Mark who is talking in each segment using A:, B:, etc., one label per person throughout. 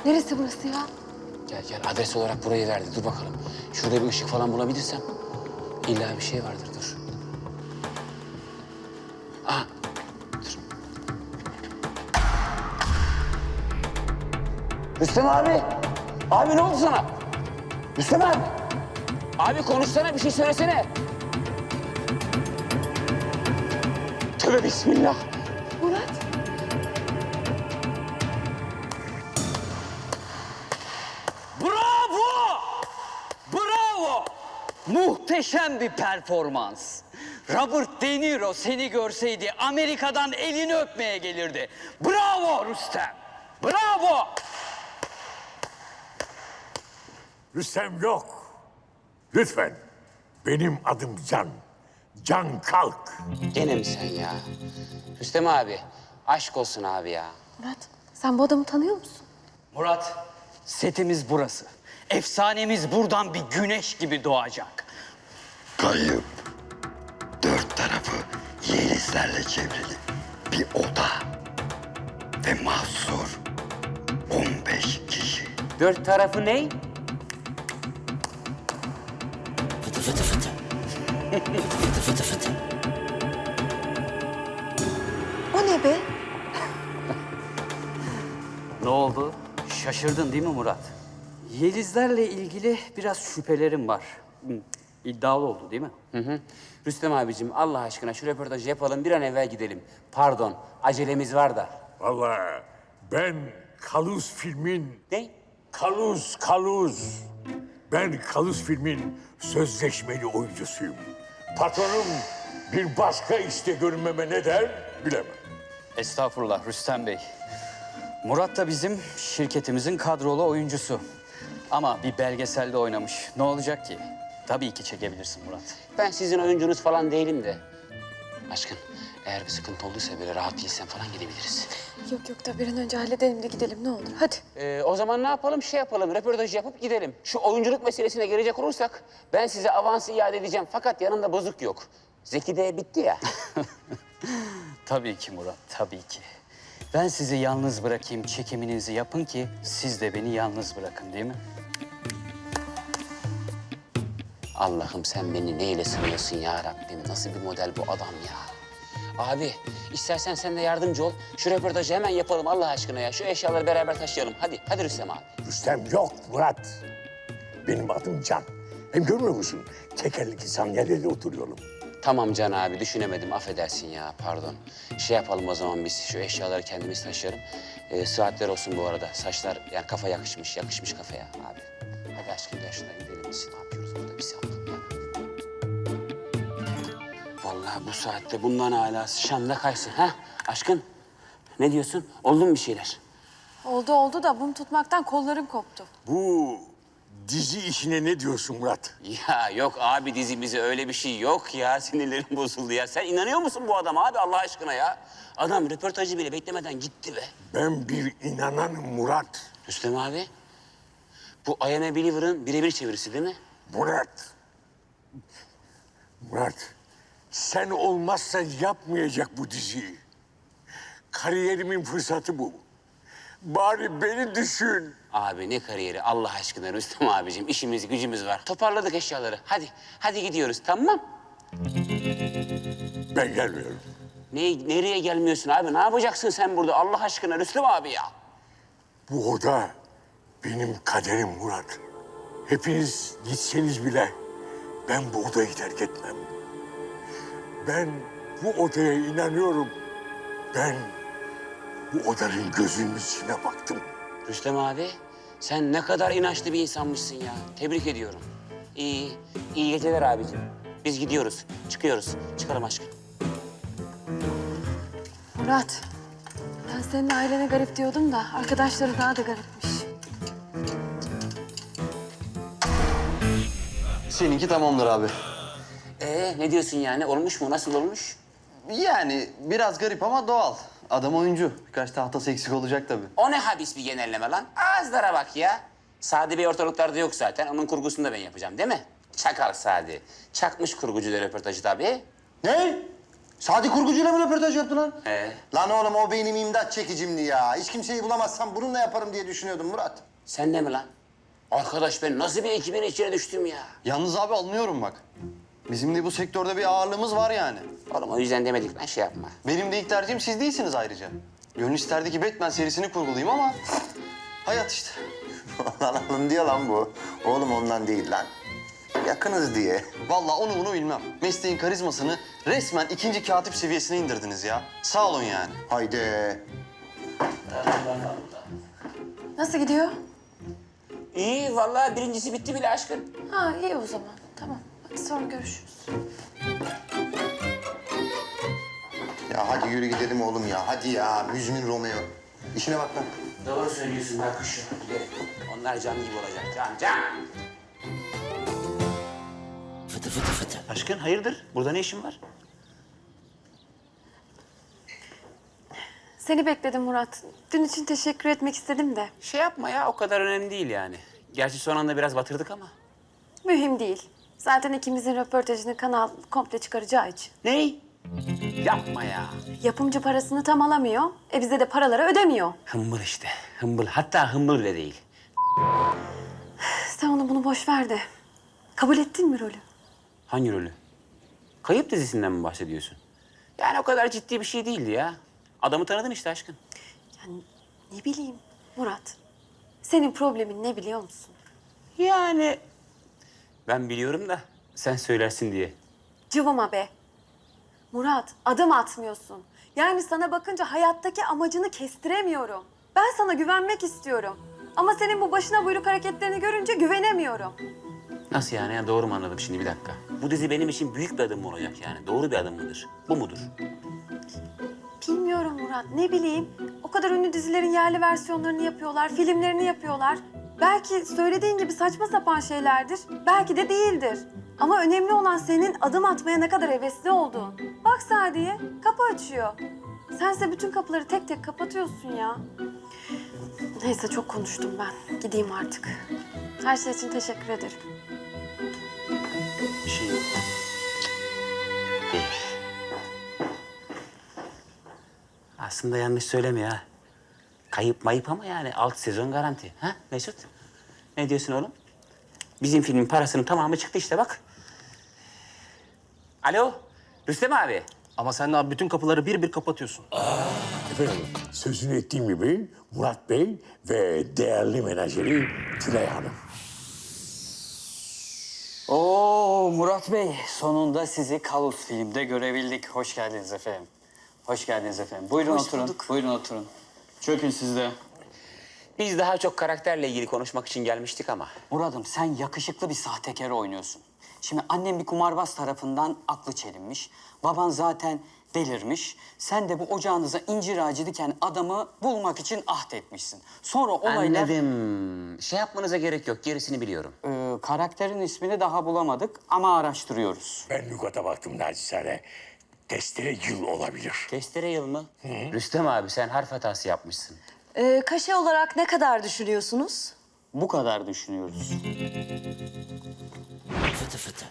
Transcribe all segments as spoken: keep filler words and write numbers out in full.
A: Neresi burası ya?
B: Gel gel, adres olarak burayı verdi. Dur bakalım. Şurada bir ışık falan bulabilirsem. İlla bir şey vardır, dur. Aha, dur. Rüstem abi! Abi ne oldu sana? Rüstem abi! Abi konuşsana, bir şey söylesene. Tövbe bismillah.
A: Murat.
C: Bravo! Bravo! Muhteşem bir performans. Robert De Niro seni görseydi Amerika'dan elini öpmeye gelirdi. Bravo Rüstem! Bravo!
D: Rüstem yok. Lütfen. Benim adım Can. Can Kalk.
B: Gene mi sen ya? Rüstem abi, aşk olsun abi ya.
A: Murat, sen bu adamı tanıyor musun?
C: Murat, setimiz burası. Efsanemiz buradan bir güneş gibi doğacak.
E: Kayıp. Dört tarafı yelizlerle çevrili bir oda. Ve mahsur on beş kişi.
B: Dört tarafı ne?
E: Fıtı fıtı fıtı. Fıtı fıtı fıtı.
A: O ne be?
C: Ne oldu? Şaşırdın değil mi Murat? Yelizlerle ilgili biraz şüphelerim var. Hı, İddialı oldu değil mi?
B: Hı hı. Rüstem abicim, Allah aşkına şu röportajı yapalım, bir an evvel gidelim. Pardon, acelemiz var da.
D: Vallahi ben Kaluz filmin...
B: Ne?
D: Kaluz, Kaluz. Ben Kaluz filmin sözleşmeli oyuncusuyum. Patronum bir başka işte görünmeme ne der bilemem.
C: Estağfurullah Rüstem Bey. Murat da bizim şirketimizin kadrolu oyuncusu. Ama bir belgeselde oynamış. Ne olacak ki? Tabii ki çekebilirsin Murat.
B: Ben sizin oyuncunuz falan değilim de. Aşkın, eğer bir sıkıntı olduysa, böyle rahat değilsen falan gidebiliriz.
A: Yok yok da bir an önce halledelim de gidelim ne olur. Hadi.
B: Ee, o zaman ne yapalım? Şey yapalım, röportajı yapıp gidelim. Şu oyunculuk meselesine gelecek olursak, ben size avansı iade edeceğim. Fakat yanında bozuk yok. Zeki de bitti ya.
C: Tabii ki Murat, tabii ki. Ben sizi yalnız bırakayım, çekiminizi yapın ki siz de beni yalnız bırakın değil mi?
B: Allah'ım sen beni neyle sınıyorsun ya Rabbim? Nasıl bir model bu adam ya? Abi, istersen sen de yardımcı ol. Şu röportajı hemen yapalım Allah aşkına ya. Şu eşyaları beraber taşıyalım. Hadi, hadi Rüstem abi.
D: Rüstem yok Murat. Benim adım Can. Hem görmüyor musun? Tekerlekli sandalyede oturuyorum.
B: Tamam Can abi, düşünemedim. Affedersin ya, pardon. Şey yapalım o zaman biz, şu eşyaları kendimiz taşıyalım. Ee, saatler olsun bu arada. Saçlar, yani kafa yakışmış, yakışmış kafaya abi. Hadi aşkım gel şuna gidelim biz. Ne yapıyoruz burada bir saat ya? Vallahi bu saatte bundan hala Şam'da kaysın. Ha aşkın, ne diyorsun? Oldu mu bir şeyler?
A: Oldu oldu da mum tutmaktan kollarım koptu.
D: Bu dizi işine ne diyorsun Murat?
B: Ya yok abi, dizimize öyle bir şey yok ya. Sinirlerim bozuldu ya. Sen inanıyor musun bu adama abi Allah aşkına ya? Adam röportajı bile beklemeden gitti be.
D: Ben bir inananım Murat.
B: Rüstem abi, bu I Am a Believer'ın birebir çevirisi değil mi?
D: Murat. Murat. Sen olmazsa yapmayacak bu diziyi. Kariyerimin fırsatı bu. Bari beni düşün.
B: Abi ne kariyeri Allah aşkına Rüstem abicim. İşimiz gücümüz var. Toparladık eşyaları. Hadi, hadi gidiyoruz tamam.
D: Ben gelmiyorum.
B: Ne, nereye gelmiyorsun abi? Ne yapacaksın sen burada Allah aşkına Rüstem abi ya?
D: Bu oda benim kaderim Murat. Hepiniz gitseniz bile ben bu odayı terk etmem. Ben bu odaya inanıyorum. Ben bu odanın gözünün içine baktım.
B: Rüstem abi, sen ne kadar inançlı bir insanmışsın ya. Tebrik ediyorum. İyi, iyi geceler abicim. Biz gidiyoruz, çıkıyoruz. Çıkalım aşkım.
A: Murat, ben senin ailene garip diyordum da arkadaşları daha da garipmiş.
F: Seninki tamamdır abi.
B: Ee, ne diyorsun yani? Olmuş mu? Nasıl olmuş?
F: Yani biraz garip ama doğal. Adam oyuncu. Birkaç tahtası eksik olacak tabii.
B: O ne habis bir genelleme lan? Ağızlara bak ya. Sadi Bey ortalıklarda yok zaten. Onun kurgusunu da ben yapacağım değil mi? Çakal Sadi. Çakmış kurgucu da röportajı tabii.
F: Ne? Sadi kurgucuyla mı röportaj yaptı lan?
B: He.
F: Lan oğlum o benim imdat çekicimdi ya. Hiç kimseyi bulamazsam bununla yaparım diye düşünüyordum Murat.
B: Sen de mi lan? Arkadaş ben nasıl bir ekibin içine düştüm ya?
F: Yalnız abi anlıyorum bak. Bizim de bu sektörde bir ağırlığımız var yani.
B: Oğlum o yüzden demedik lan şey yapma.
F: Benim de ilk tercihim siz değilsiniz ayrıca. Gönül isterdi ki Batman serisini kurgulayayım ama... hayat işte.
G: Lan alın diyor lan bu. Oğlum ondan değil lan. Yakınız diye.
F: Vallahi onu bunu bilmem. Mesleğin karizmasını resmen ikinci katip seviyesine indirdiniz ya. Sağ olun yani.
G: Haydi.
A: Nasıl gidiyor?
B: İyi vallahi birincisi bitti bile aşkın.
A: Ha iyi o zaman. Tamam. Hadi sonra görüşürüz.
G: Ya hadi yürü gidelim oğlum ya. Hadi ya. Müzmin Romeo. İşine bak lan.
B: Doğru söylüyorsun bak kuşu. Gidelim. Onlar cam gibi olacak. Cam cam.
E: Fıtı fıtı fıtı.
B: Aşkın hayırdır? Burada ne işin var?
A: Seni bekledim Murat. Dün için teşekkür etmek istedim de.
B: Şey yapma ya o kadar önemli değil yani. Gerçi son anda biraz batırdık ama.
A: Mühim değil. Zaten ikimizin röportajını kanal komple çıkaracağı için.
B: Ney? Yapma ya.
A: Yapımcı parasını tam alamıyor. E bize de paraları ödemiyor.
B: Hımbıl işte. Hımbıl. Hatta hımbıl bile değil.
A: Sen onu bunu boş ver de. Kabul ettin mi rolü?
B: Hangi rolü? Kayıp dizisinden mi bahsediyorsun? Yani o kadar ciddi bir şey değildi ya. Adamı tanıdın işte aşkın.
A: Yani ne bileyim Murat. Senin problemin ne biliyor musun?
B: Yani ben biliyorum da sen söylersin diye.
A: Cıvıma be. Murat adım atmıyorsun. Yani sana bakınca hayattaki amacını kestiremiyorum. Ben sana güvenmek istiyorum. Ama senin bu başına buyruk hareketlerini görünce güvenemiyorum.
B: Nasıl yani ya? Doğru mu anladım şimdi bir dakika? Bu dizi benim için büyük bir adım mı olacak yani? Doğru bir adım mıdır? Bu mudur?
A: Bilmiyorum Murat, ne bileyim. O kadar ünlü dizilerin yerli versiyonlarını yapıyorlar, filmlerini yapıyorlar. Belki söylediğin gibi saçma sapan şeylerdir, belki de değildir. Ama önemli olan senin adım atmaya ne kadar hevesli olduğun. Bak Sadiye, kapı açıyor. Sense bütün kapıları tek tek kapatıyorsun ya. Neyse çok konuştum ben. Gideyim artık. Her şey için teşekkür ederim.
B: Bir şey yok. Değil. Aslında yanlış söyleme ya. Kayıp mayıp ama yani alt sezon garanti. Ha Mesut? Ne diyorsun oğlum? Bizim filmin parasının tamamı çıktı işte bak. Alo, Rüstem abi.
H: Ama sen de abi bütün kapıları bir bir kapatıyorsun.
D: Efendim, sözünü ettiğim gibi Murat Bey ve değerli menajeri Tülay Hanım.
C: Oo Murat Bey, sonunda sizi Kalus filmde görebildik. Hoş geldiniz efendim. Hoş geldiniz efendim. Buyurun oturun. Buyurun oturun. Çökün siz de.
B: Biz daha çok karakterle ilgili konuşmak için gelmiştik ama.
C: Murat'ım sen yakışıklı bir sahtekarı oynuyorsun. Şimdi annem bir kumarbaz tarafından aklı çelinmiş. Baban zaten delirmiş. Sen de bu ocağınıza incir ağacı diken adamı bulmak için ahd etmişsin. Sonra olaylar...
B: Anladım. Şey yapmanıza gerek yok, gerisini biliyorum.
C: Ee, karakterin ismini daha bulamadık ama araştırıyoruz.
D: Ben lügata baktım naçizane. Testere yıl olabilir.
B: Testere yıl mı? Rüstem abi sen harf hatası yapmışsın.
I: Ee, kaşe olarak ne kadar düşünüyorsunuz?
C: Bu kadar düşünüyoruz.
E: Fıtı fıtı.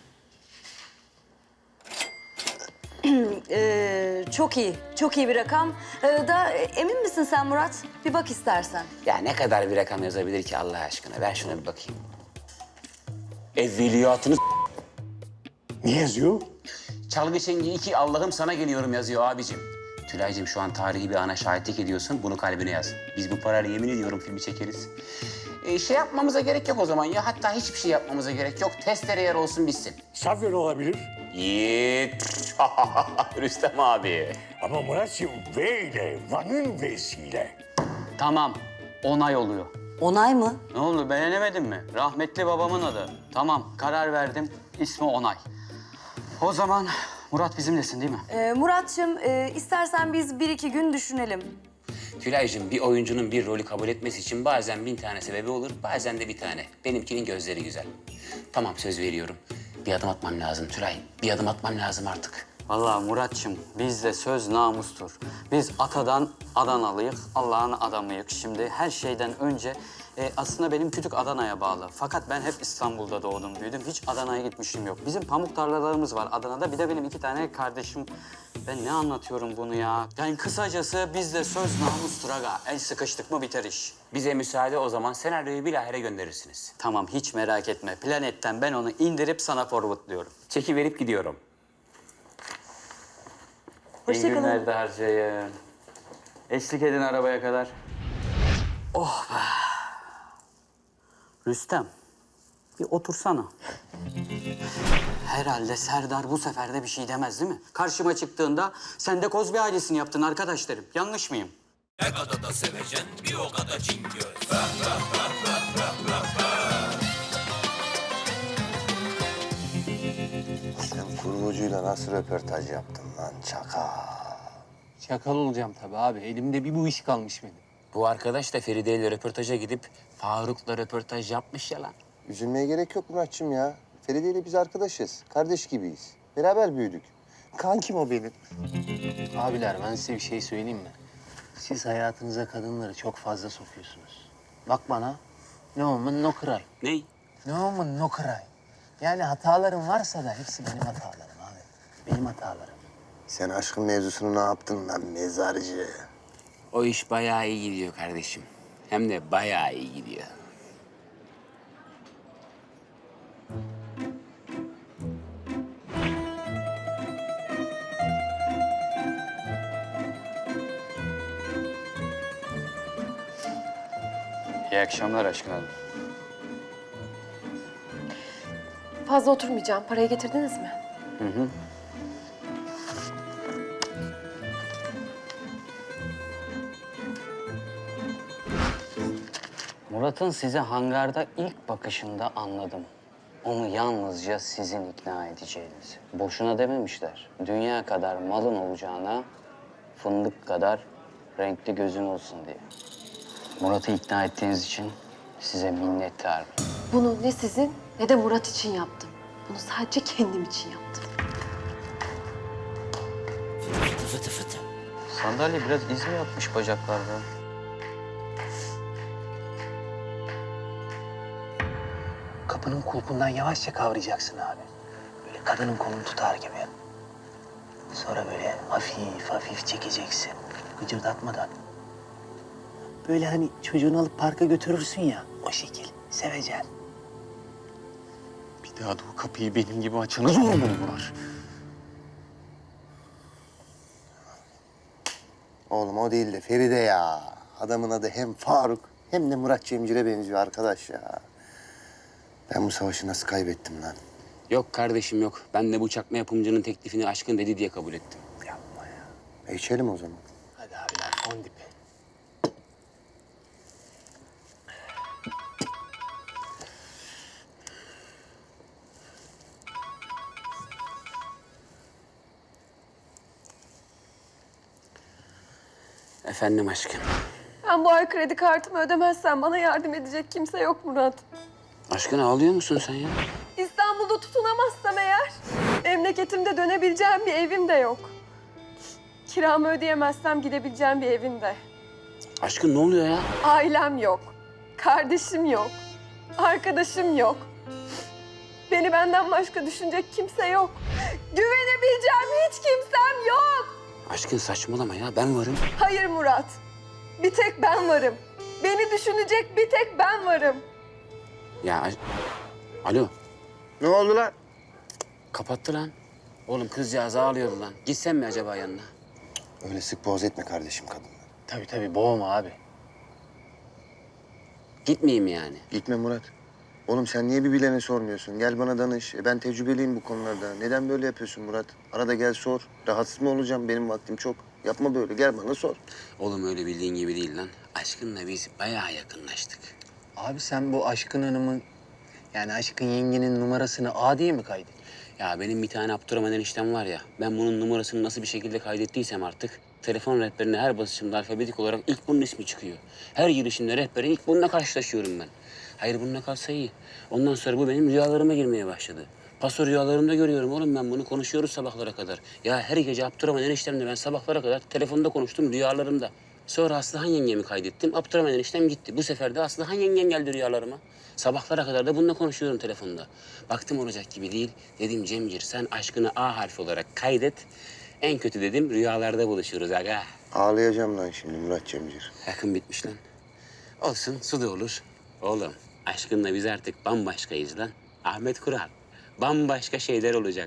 I: Ee, çok iyi, çok iyi bir rakam. Ee, da e, emin misin sen Murat? Bir bak istersen.
B: Ya ne kadar bir rakam yazabilir ki Allah aşkına? Ver şuna bir bakayım. Evveliyatını
D: Ne yazıyor?
B: Çalgı Çengi iki Allah'ım sana geliyorum yazıyor abicim. Tülay'cığım şu an tarihi bir ana şahitlik ediyorsun. Bunu kalbine yaz. Biz bu parayla yemin ediyorum filmi çekeriz. Ee, şey yapmamıza gerek yok o zaman ya. Hatta hiçbir şey yapmamıza gerek yok. Testere yer olsun bitsin.
D: Safyan olabilir.
B: Yiğit. Rüstem abi.
D: Ama Murat'cığım V ile, Van'ın V'siyle.
C: Tamam, onay oluyor.
I: Onay mı?
C: Ne oldu, beğenemedin mi? Rahmetli babamın adı. Tamam, karar verdim. İsmi Onay. O zaman Murat bizimlesin değil mi?
I: Ee, Murat'cığım e, istersen biz bir iki gün düşünelim.
B: Tülay'cığım bir oyuncunun bir rolü kabul etmesi için bazen bin tane sebebi olur, bazen de bir tane. Benimkinin gözleri güzel. Tamam söz veriyorum. Bir adım atmam lazım Tülay. Bir adım atmam lazım artık.
C: Vallahi Muratçım, bizde söz namustur. Biz atadan Adanalıyık, Allah'ın adamıyık. Şimdi her şeyden önce e, aslında benim kütük Adana'ya bağlı. Fakat ben hep İstanbul'da doğdum, büyüdüm. Hiç Adana'ya gitmişim yok. Bizim pamuk tarlalarımız var Adana'da. Bir de benim iki tane kardeşim Ben ne anlatıyorum bunu ya? Yani kısacası bizde söz namustur aga. El sıkıştık mı biter iş.
B: Bize müsaade o zaman senaryoyu bilahare gönderirsiniz.
C: Tamam hiç merak etme. Planetten ben onu indirip sana forwardlıyorum.
B: Çeki verip gidiyorum.
I: Hoşça
C: İyi
I: kalın.
C: günler de harcayın. Eşlik edin arabaya kadar. Oh be. Rüstem, bir otursana. Herhalde Serdar bu sefer de bir şey demez değil mi? Karşıma çıktığında sen de Kozbi ailesini yaptın arkadaş derim. Yanlış mıyım?
G: Sen kurgucuyla nasıl röportaj yaptın lan çakal?
H: Çakal olacağım tabii abi. Elimde bir bu iş kalmış benim.
B: Bu arkadaş da Feride ile röportaja gidip Faruk'la röportaj yapmış ya lan.
G: Üzülmeye gerek yok Muratçım ya. Feride ile biz arkadaşız. Kardeş gibiyiz. Beraber büyüdük. Kankim o benim.
H: Abiler ben size bir şey söyleyeyim mi? Siz hayatınıza kadınları çok fazla sokuyorsunuz. Bak bana. Ne woman no cry.
B: Ney?
H: Ne woman no cry. Yani hatalarım varsa da hepsi benim hatalarım abi. Benim hatalarım.
G: Sen aşkın mevzusunu ne yaptın lan mezarcı?
B: O iş bayağı iyi gidiyor kardeşim. Hem de bayağı iyi gidiyor.
C: İyi akşamlar aşkın hanım.
A: Fazla oturmayacağım. Parayı getirdiniz mi?
C: Hı hı. Murat'ın size hangarda ilk bakışında anladım. Onu yalnızca sizin ikna edeceğiniz. Boşuna dememişler. Dünya kadar malın olacağına fındık kadar renkli gözün olsun diye. Murat'ı ikna ettiğiniz için size minnettarım.
A: Bunu ne sizin ne de Murat için yaptım. Bunu sadece kendim için yaptım.
E: Fıtı fıtı fıtı.
C: Sandalye biraz iz mi yapmış bacaklarda?
H: Kapının kulpundan yavaşça kavrayacaksın abi. Böyle kadının kolunu tutar gibi. Sonra böyle hafif hafif çekeceksin. Gıcırdatmadan. Böyle hani çocuğunu alıp parka götürürsün ya, o şekil. Sevecen.
C: Bir daha da o kapıyı benim gibi açana zor mu Murat?
G: Oğlum o değil de Feride ya. Adamın adı hem Faruk hem de Murat Cemcir'e benziyor arkadaş ya. Ben bu savaşı nasıl kaybettim lan?
B: Yok kardeşim yok. Ben de bu çakma yapımcının teklifini aşkın dedi diye kabul ettim.
H: Yapma ya.
G: E içelim o zaman.
H: Hadi abiler, on dipi.
B: Efendim aşkım.
A: Ben bu ay kredi kartımı ödemezsem bana yardım edecek kimse yok Murat.
B: Aşkın ağlıyor musun sen ya?
A: İstanbul'da tutunamazsam eğer memleketimde dönebileceğim bir evim de yok. Kiramı ödeyemezsem gidebileceğim bir evim de.
B: Aşkın ne oluyor ya?
A: Ailem yok. Kardeşim yok. Arkadaşım yok. Beni benden başka düşünecek kimse yok. Güvenebileceğim hiç kimsem yok.
B: Aşkın saçmalama ya. Ben varım.
A: Hayır Murat. Bir tek ben varım. Beni düşünecek bir tek ben varım.
B: Ya aş- Alo.
G: Ne oldu lan?
B: Kapattı lan. Oğlum kızcağız ağlıyordu lan. Gitsen mi acaba yanına?
G: Öyle sık boğaz etme kardeşim kadını.
H: Tabii tabii, boğma abi.
B: Gitmeyeyim yani.
G: Gitme Murat. Oğlum sen niye bir bilene sormuyorsun? Gel bana danış. E ben tecrübeliyim bu konularda. Neden böyle yapıyorsun Murat? Arada gel sor. Rahatsız mı olacağım? Benim vaktim çok. Yapma böyle. Gel bana sor.
B: Oğlum öyle bildiğin gibi değil lan. Aşkınla biz bayağı yakınlaştık.
H: Abi sen bu Aşkın Hanım'ın, yani Aşkın yengenin numarasını A diye mi kaydettin?
B: Ya benim bir tane Abdurrahman eniştem var ya. Ben bunun numarasını nasıl bir şekilde kaydettiysem artık telefon rehberine her basışımda alfabetik olarak ilk bunun ismi çıkıyor. Her girişimde rehbere ilk bununla karşılaşıyorum ben. Hayır bununla kalsa iyi. Ondan sonra bu benim rüyalarıma girmeye başladı. Paso rüyalarımda görüyorum oğlum ben bunu. Konuşuyoruz sabahlara kadar. Ya her gece Abdurrahman eniştemle ben sabahlara kadar telefonda konuştum rüyalarımda. Sonra Aslıhan yengemi kaydettim. Abdurrahman eniştem gitti. Bu sefer de Aslıhan yengem geldi rüyalarıma. Sabahlara kadar da bununla konuşuyorum telefonda. Baktım olacak gibi değil. Dedim Cemcir sen aşkını A harfi olarak kaydet. En kötü dedim rüyalarda buluşuruz aga.
G: Ağlayacağım lan şimdi Murat Cemcir.
B: Yakın bitmiş lan. Olsun su da olur. Oğlum aşkınla biz artık bambaşkayız lan. Ahmet Kural. Bambaşka şeyler olacak.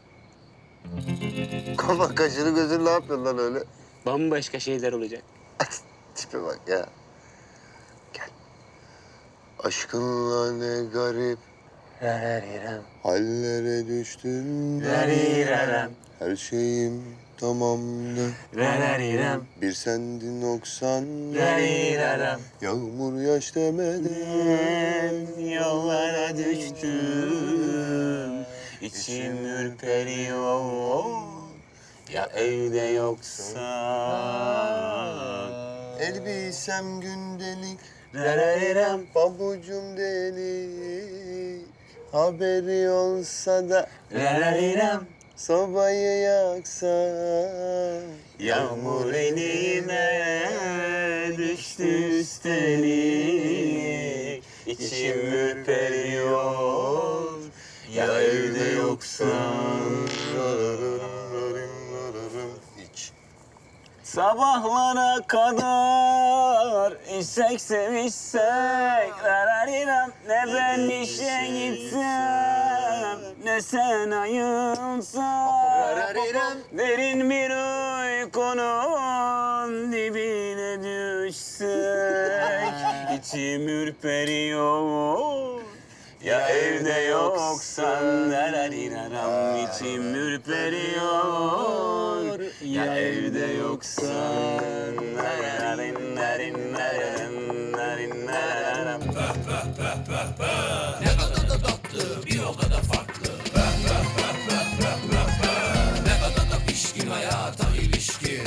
G: Kafa kaşını gözünü ne yapıyorsun lan öyle?
B: Bambaşka şeyler olacak.
G: Tipe bak ya. Gel. Aşkınla ne garip
H: Rararirem.
G: hallere düştüm.
H: Rarirem.
G: Her şeyim tamamdı.
H: Rararirem.
G: Bir sendin noksan.
H: Rarirem.
G: Yağmur yaş demeden.
H: Yollara düştüm. İçim ürperiyor. Ya evde yoksa.
G: Elbisem gündelik.
H: Rararirem.
G: Pabucum delik. Haberi olsa da
H: Rararirem.
G: sobayı yaksa.
H: Yağmur elime düştü üstelik. İçim ürperiyor. Ya evde yoksan.
G: İç.
H: Sabahlara kadar içsek sevişsek. Rararirem. Ne ben işe gitsem, ne sen ayılsan.
G: Rararirem.
H: Derin bir uykunun dibine düşsek. İçim ürperiyor. Ya evde yoksan. Rararirem. İçim ürperiyor. Ya evde yoksan. Nararin, narin, nararin, narin, nararam.
E: Pişkin hayata ilişkin